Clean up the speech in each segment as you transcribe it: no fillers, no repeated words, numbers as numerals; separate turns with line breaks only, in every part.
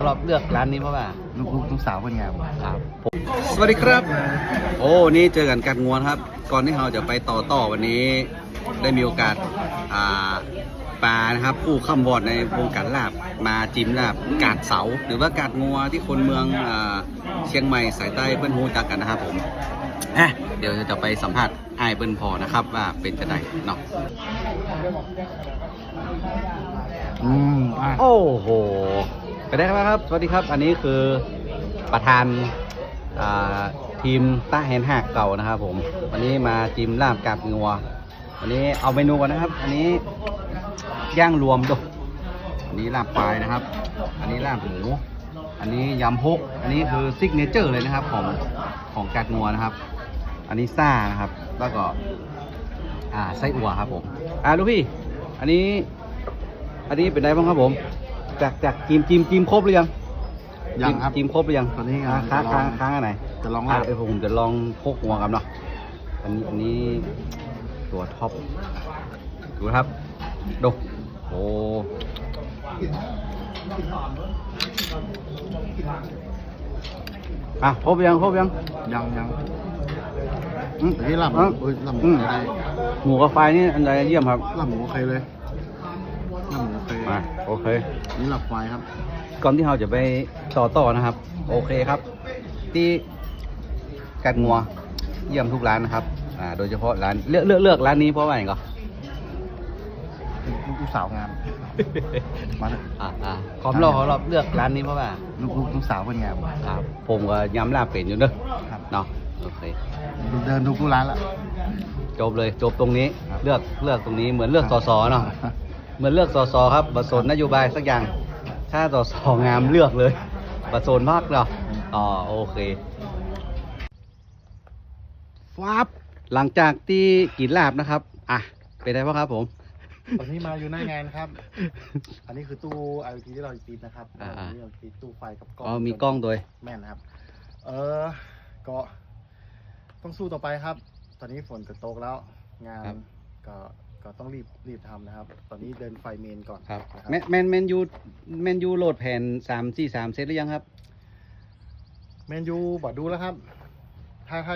รอบเลือกร้านนี้เพราะว่า
ลูกสาวเป็นไง
ครับสวัสดีครับ โอ้นี่เจอกันกัดงวนครับ ก่อนที่เราจะไปต่อวันนี้ได้มีโอกาสปลานะครับผู้ข้ามวอดในวงการลาบมาจิ้มลาบกาดเสาหรือว่ากาดงัวที่คนเมืองเชียงใหม่สายใต้เปิ้ลฮูจักกันนะครับผมเดี๋ยวจะไปสัมภาษณ์ไอ้ายเปิ้ลพอนะครับว่าเป็นจะไดเนาะโอ้โหไปได้ครับสวัสดีครับอันนี้คือประธานทีมต้าแฮนหักเก่านะครับผมวันนี้มาจิ้มลาบกาดงัววันนี้เอาเมนูก่อนนะครับอันนี้ย่างรวมดูอันนี้ลาบควายนะครับอันนี้ลาบหมูอันนี้ยำฮกอันนี้คือซิกเนเจอร์เลยนะครับของกาดงัวนะครับอันนี้ซ่านะครับแล้วก็ไส้อั่วครับผมลูกพี่อันนี้เป็นไงบ้างครับผมจากจิ้มครบหรือยัง
ยังครับ
จิ้มครบหรือยัง
ตอนนี้
ค้างอันไหน
จะลอง
ผมจะลองพกหัวกันเนาะอันนี้ตัวท็อปดูครับดูโอ้ครบยัง
แต่ที่ลำหมูได้
หมูกับไฟนี่อันใดเยี่ยมครับ
ลำหมูโอเคเลยลำหมูโอเค
โอเค
นี่หลับไฟครับ
ก่อนที่เราจะไปต่อนะครับโอเคครับที่กัดงัวเยี่ยมทุกร้านนะครับโดยเฉพาะร้านเลือกร้านนี้เพราะว่าอย่างไร
ลูกสาวงามมาเลย
ขอรอบเลือกร้านนี้เพราะว่า
ลูกสาวเป็นไง
ครับผมก็ย้ำลาบเป็นอยู่เนอะเนาะโอเค
เดินทุกร้านละ
จบตรงนี้เลือกตรงนี้เหมือนเลือกส.เนาะเหมือนเลือกส.ครับบัตรสนนโยบายสักอย่างถ้าส.งามเลือกเลยบัตรสนมากเนาะโอเคฟับหลังจากที่กินลาบนะครับเป็นไงบ้างครับผม
ตอนนี้มาอยู่หน้างานครับอันนี้คือตู้ IoT ที่เราติดนะครับนี่เราติดตู้ไฟกับกล้อง
มีกล้องด้วย
แม่นครับก็ต้องสู้ต่อไปครับตอนนี้ฝนจะตกแล้วงานก็ต้องรีบทำนะครับตอนนี้เดินไฟเมนก่อน
ครับแมนยูโหลดแผ่น343เซตหรือยังครับ
แมนยูบอกดูแล้วครับถ้า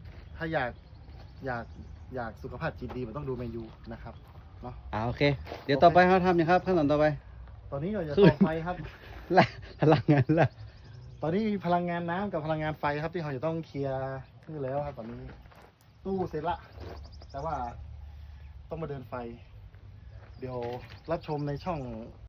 อยากสุขภาพจิตดีมันต้องดูแมนยูนะครับเนาะ
โอเคเดี๋ยวต่อไปเขาทำยังครับขั้นตอนต่อไป
ตอนนี้เราจะต่อไฟครับ
พลังงานละ
ตอนนี้มีพลังงานน้ำกับพลังงานไฟครับที่เราจะต้องเคลียร์นี่แล้วครับตอนนี้ตู้เสร็จละแต่ว่าต้องมาเดินไฟเดี๋ยวรับชมในช่อง